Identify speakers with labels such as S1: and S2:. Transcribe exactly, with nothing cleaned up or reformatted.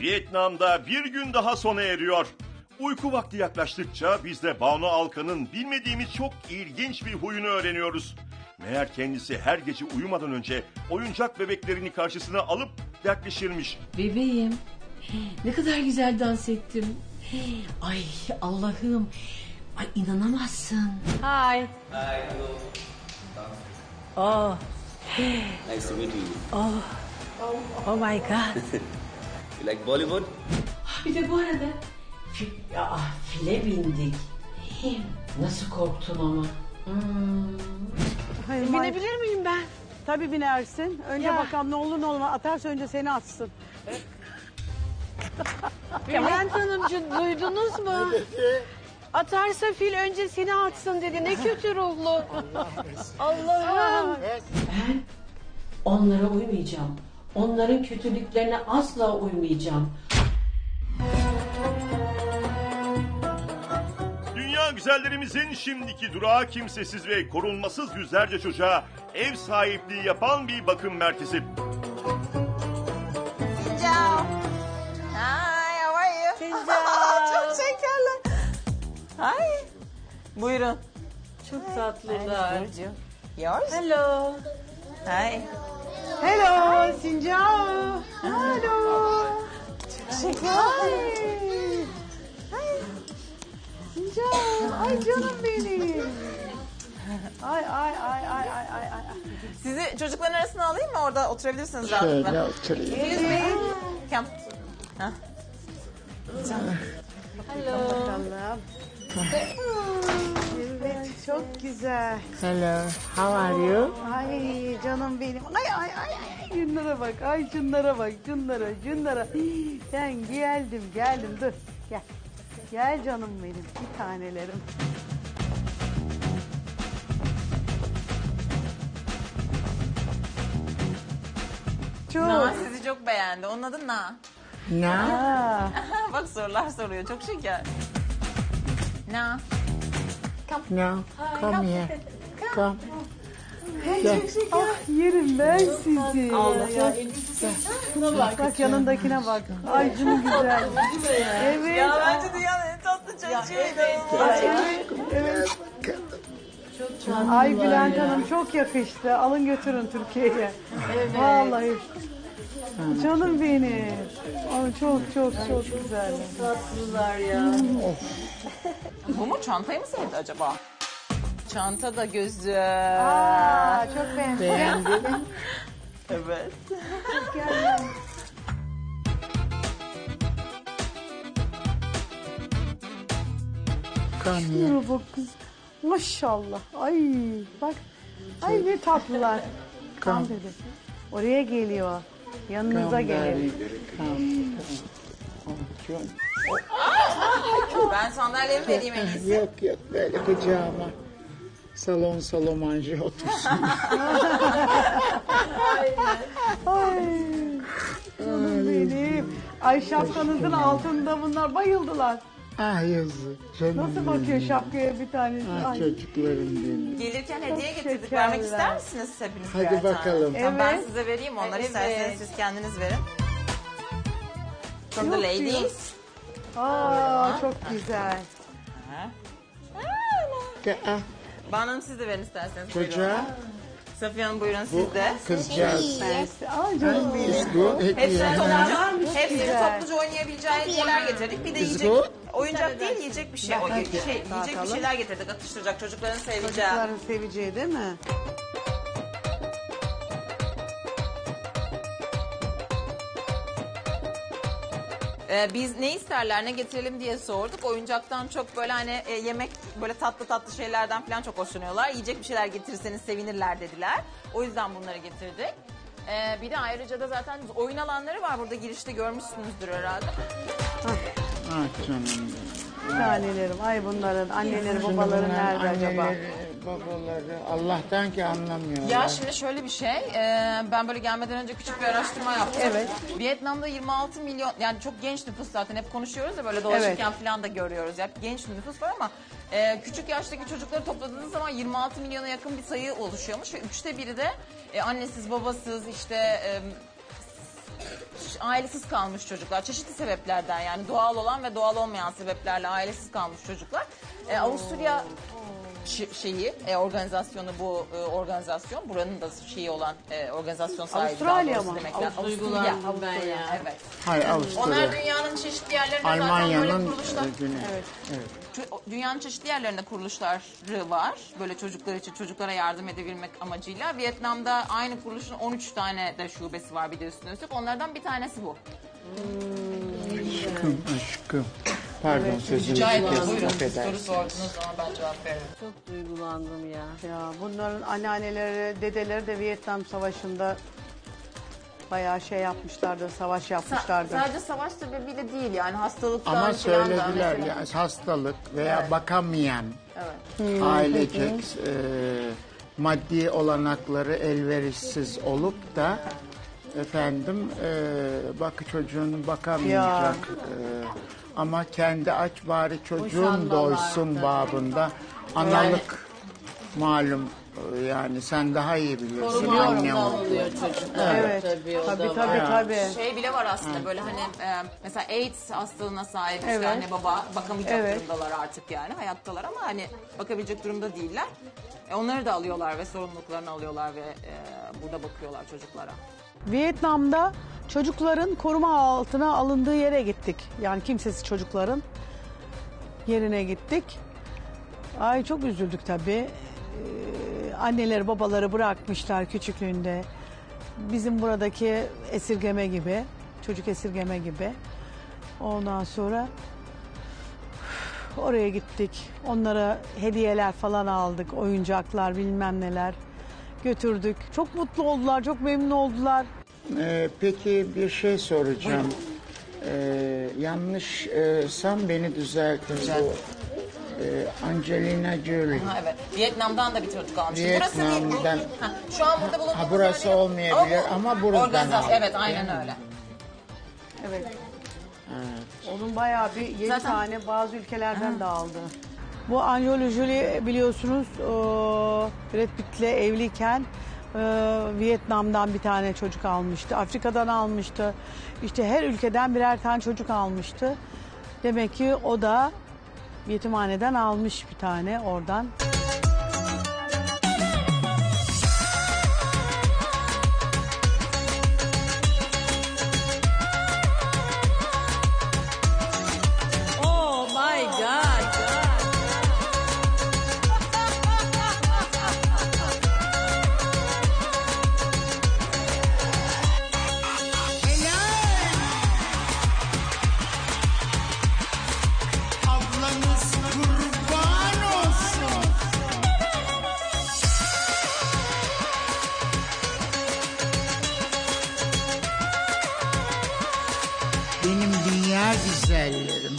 S1: Vietnam'da bir gün daha sona eriyor. Uyku vakti yaklaştıkça biz de Banu Alkan'ın bilmediğimiz çok ilginç bir huyunu öğreniyoruz. Meğer kendisi her gece uyumadan önce oyuncak bebeklerini karşısına alıp dertleşirmiş.
S2: Bebeğim, ne kadar güzel dans ettim. Ay Allah'ım, ay inanamazsın.
S3: Hi.
S4: Hi, hello.
S3: Oh,
S4: Nice to meet you.
S3: oh, oh my God.
S4: You like Bollywood?
S2: Bir de bu arada fi, ya, file bindik. Nasıl korktun ama. Hmm.
S5: Hayır,
S3: Binebilir miyim ben?
S5: Tabii binersin. Önce
S3: Ya.
S5: bakalım ne olur ne olmaz. Atarsa önce seni atsın.
S3: Bülent Hanımcığım duydunuz mu? Atarsa fil önce seni atsın dedi. Ne kötü ruhlu. Allah'ım.
S2: Ben onlara uymayacağım. Onların kötülüklerine asla uymayacağım.
S1: Dünya güzellerimizin şimdiki durağı kimsesiz ve korunmasız yüzlerce çocuğa ev sahipliği yapan bir bakım merkezi.
S6: Ciao. Hi, how are you?
S3: Ciao.
S6: Çok şekerler. Hi. Buyurun.
S3: Çok tatlılar.
S6: Yours?
S3: Hello.
S6: Hi.
S5: Hello, Sincao. Hello.
S6: Şeker.
S5: Sincao. Ay canım benim. Ay ay ay ay ay ay ay.
S6: Sizi çocukların arasına alayım mı? Orada oturabilirsiniz rahatlıkla.
S7: Şöyle oturayım.
S6: Excuse me. Come. Hah.
S5: Allah'ım. Evet, çok güzel.
S7: Hello, how are you?
S5: Ay canım benim. Ay ay ay ay. Şunlara bak. Ay şunlara bak. Şunlara, şunlara. Ben geldim, geldim. Dur. Gel. Gel canım benim. Bir tanelerim. Çok.
S6: Na sizi çok beğendi. Onun adı Na.
S7: No?
S5: Ha.
S6: Bak sorular soruyor. Çok şeker. Na.
S7: No, come here. Come.
S5: Ah yerim ben sizi. Bak, bak yanındakine bak. Ay şunun güzel. Evet.
S6: Ya bence dünyanın en tatlı çocuğuydu.
S5: Evet. Ay Bülent Hanım çok yakıştı. Alın götürün Türkiye'ye. Vallahi. Canım benim. Ay çok çok çok güzel.
S3: Tatlılar ya.
S6: Bu mu? Çantayı mı sevdi acaba? Çanta da güzel.
S5: Aa çok beğendim.
S7: Beğendin?
S6: Evet.
S7: Come here.
S5: Şuna bak kız. Maşallah. Ay bak. Ay ne tatlılar. Tam dedi. Oraya geliyor. Yanınıza
S7: Come,
S5: gelir.
S7: darling. Come. Come. Çok-
S6: Ben sandalyemi vereyim en iyisi.
S7: Yok yok böyle kucağıma. Salon salomanje otursun.
S5: Ay. Canım benim. Ay şapkanızın altında bunlar bayıldılar.
S7: Ah yazık. Canım
S5: Nasıl
S7: benim.
S5: bakıyor şapkaya bir tanesi?
S7: Ah
S5: Ay.
S7: çocuklarım benim.
S6: Gelirken hediye getirdik.
S5: şekerler.
S6: Vermek ister misiniz hepiniz
S7: Hadi
S6: birer tane?
S7: bakalım.
S6: Tamam, ben
S5: Evet.
S6: size vereyim onları.
S3: Evet.
S6: İsterseniz siz kendiniz verin. From the
S5: Yok
S6: ladies.
S5: Aa çok güzel.
S7: Ah,
S6: Banu Hanım siz de verin isterseniz. Buyurun.
S7: çocuğa
S6: Safiye Hanım buyurun
S7: bu
S6: siz de.
S7: kızcağız.
S5: Mersi. Ay canım benim.
S7: Is bu hediye.
S6: Hepsini
S7: ha?
S6: topluca, hepsini
S5: Güzel.
S6: topluca oynayabileceği hediyeler getirdik. Bir de
S7: Is
S6: yiyecek,
S7: good?
S6: oyuncak değil yiyecek bir şey, o, şey yiyecek bir
S5: Dağıtalım.
S6: şeyler getirdik. Atıştıracak çocukların seveceği.
S5: Çocukların seveceği değil mi?
S6: Ee, biz ne isterler ne getirelim diye sorduk. Oyuncaktan çok böyle hani e, yemek böyle tatlı tatlı şeylerden falan çok hoşlanıyorlar. Yiyecek bir şeyler getirirseniz sevinirler dediler. O yüzden bunları getirdik. Ee, bir de ayrıca da zaten oyun alanları var burada girişte görmüşsünüzdür herhalde.
S7: Ah canım benim.
S5: Tanelerim. Ay bunların anneleri
S7: Şimdi
S5: babaları
S7: bunların
S5: nerede acaba?
S7: anneleri, babaları Allah'tan ki anlamıyorlar.
S6: Ya şimdi şöyle bir şey, e, ben böyle gelmeden önce küçük bir araştırma yaptım.
S5: Evet.
S6: Vietnam'da yirmi altı milyon, yani çok genç nüfus zaten hep konuşuyoruz ya böyle dolaşırken
S5: Evet.
S6: falan da görüyoruz. Ya genç nüfus var ama e, küçük yaştaki çocukları topladığınız zaman yirmi altı milyona yakın bir sayı oluşuyormuş ve üçte biri de e, annesiz babasız işte... E, ailesiz kalmış çocuklar. Çeşitli sebeplerden yani doğal olan ve doğal olmayan sebeplerle ailesiz kalmış çocuklar. Ee, Avusturya ş- şeyi, e, organizasyonu bu e, organizasyon. Buranın da şeyi olan e, organizasyon sahibi.
S5: Avustralya
S6: daha doğrusu
S5: mı?
S6: demek lazım.
S2: Av-
S6: Avusturya.
S2: duygulandım ben
S6: Avusturya,
S2: ya.
S6: Evet.
S7: Hayır
S6: Onlar
S7: Avusturya.
S6: dünyanın çeşitli yerlerinde zaten böyle
S7: Almanya'nın
S6: kuruluşlar.
S7: e, günü.
S6: Ço- Dünyanın çeşitli yerlerinde kuruluşları var. Böyle çocuklar için çocuklara yardım edebilmek amacıyla. Vietnam'da aynı kuruluşun on üç tane de şubesi var bir de üstüne üstlük. Onlardan bir tanesi bu.
S7: Aşkım, aşkım. Pardon sözünüzü
S6: Rica ederim.
S7: kestim,
S6: Buyurun. Soru
S7: affedersiniz.
S6: sordunuz ama ben cevap veririm.
S3: Çok duygulandım ya.
S5: Ya bunların anneanneleri, dedeleri de Vietnam Savaşı'nda bayağı şey yapmışlardı, savaş yapmışlardı.
S6: Sadece savaş sebebiyle değil yani hastalıktan
S7: Ama
S6: falan da
S7: söylediler
S6: mesela.
S7: ya hastalık veya
S6: Evet.
S7: bakamayan
S6: Evet.
S7: ailecek e, maddi olanakları elverişsiz olup da efendim e, bak çocuğunu bakamayacak e, ama kendi aç bari çocuğun
S3: Boşanmalar
S7: doysun
S3: da.
S7: babında analık malum e, yani sen daha iyi biliyorsun
S3: Koruma
S7: anne
S3: altında
S7: oldu.
S3: alınıyor çocuklar.
S5: Evet,
S3: Tabii, o
S5: tabii
S3: da
S5: tabii
S3: var.
S5: tabii.
S6: Şey bile var aslında böyle hani e, mesela AIDS hastalığına sahip işte
S5: Evet.
S6: anne baba bakamayacak
S5: Evet.
S6: durumdalar artık yani hayattalar ama hani bakabilecek durumda değiller. E, onları da alıyorlar ve sorumluluklarını alıyorlar ve e, burada bakıyorlar çocuklara.
S5: Vietnam'da çocukların koruma altına alındığı yere gittik. Yani kimsesiz çocukların yerine gittik. Ay çok üzüldük tabii. Ee, anneleri babaları bırakmışlar küçüklüğünde. Bizim buradaki esirgeme gibi, çocuk esirgeme gibi. Ondan sonra oraya gittik. Onlara hediyeler falan aldık, oyuncaklar bilmem neler götürdük. Çok mutlu oldular, çok memnun oldular.
S7: Ee, peki bir şey soracağım. Ee, yanlışsam beni düzeltin. Bu, e, Angelina Jolie.
S6: Ha, evet. Vietnam'dan da bir çocuk almış.
S7: Vietnam'dan-
S6: Burası bir, ha, şu an burada bulunduğumuz
S7: Ha, burası
S6: yer-
S7: olmayabilir
S6: bu
S7: ama buradan
S6: organizasyon-
S7: aldık,
S6: Evet aynen
S7: değil mi?
S6: öyle.
S5: Evet. Onun bayağı bir yedi
S6: Zaten-
S5: tane bazı ülkelerden de aldı. Bu Angelina Jolie biliyorsunuz o, Brad Pitt'le evliyken e, Vietnam'dan bir tane çocuk almıştı. Afrika'dan almıştı. İşte her ülkeden birer tane çocuk almıştı. Demek ki o da yetimhaneden almış bir tane oradan.
S3: Oh my God.
S7: Ablanız kurban olsun. Benim dünya güzellerim.